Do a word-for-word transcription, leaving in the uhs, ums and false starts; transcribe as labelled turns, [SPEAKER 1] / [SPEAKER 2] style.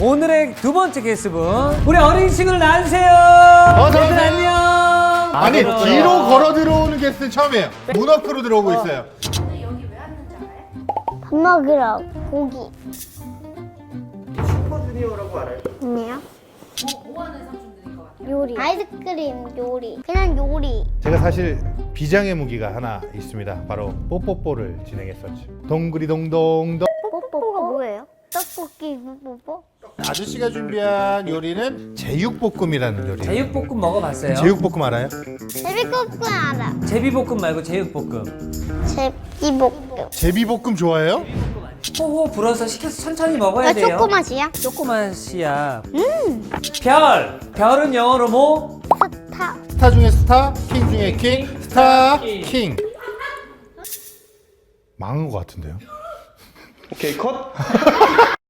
[SPEAKER 1] 오늘의 두 번째 게스트분 우리 어린 친구를 낳으세요.
[SPEAKER 2] 어서
[SPEAKER 1] 얘들
[SPEAKER 2] 오세요.
[SPEAKER 1] 안녕.
[SPEAKER 2] 아니
[SPEAKER 1] 그래요.
[SPEAKER 2] 뒤로 걸어 들어오는 게스트는 처음이에요. 문어크로 들어오고 있어요.
[SPEAKER 3] 밥 먹으러 고기.
[SPEAKER 4] 슈퍼주니어라고 알아요?
[SPEAKER 3] 아니요. 뭐 하는 삼촌들인 것 같아요? 요리. 아이스크림 요리. 그냥 요리.
[SPEAKER 2] 제가 사실 비장의 무기가 하나 있습니다. 바로 뽀뽀뽀를 진행했었죠. 동그리 동동동.
[SPEAKER 3] 뽀뽀가 뭐예요? 떡볶이 뽀뽀?
[SPEAKER 2] 아저씨가 준비한 요리는 제육볶음이라는 요리예요.
[SPEAKER 1] 제육볶음 먹어봤어요?
[SPEAKER 2] 제육볶음 알아요?
[SPEAKER 3] 제비볶음 알아.
[SPEAKER 1] 제비볶음 말고 제육볶음.
[SPEAKER 3] 제비볶음.
[SPEAKER 2] 제비볶음 좋아해요?
[SPEAKER 1] 호호 불어서 시켜서 천천히 먹어야
[SPEAKER 3] 나
[SPEAKER 1] 돼요.
[SPEAKER 3] 초코맛이야?
[SPEAKER 1] 조그맛이야. 음. 별. 별은 영어로 뭐?
[SPEAKER 3] 스타.
[SPEAKER 2] 스타 중에 스타, 킹 중에 킹, 스타 킹. 망한 것 같은데요?
[SPEAKER 4] 오케이 컷.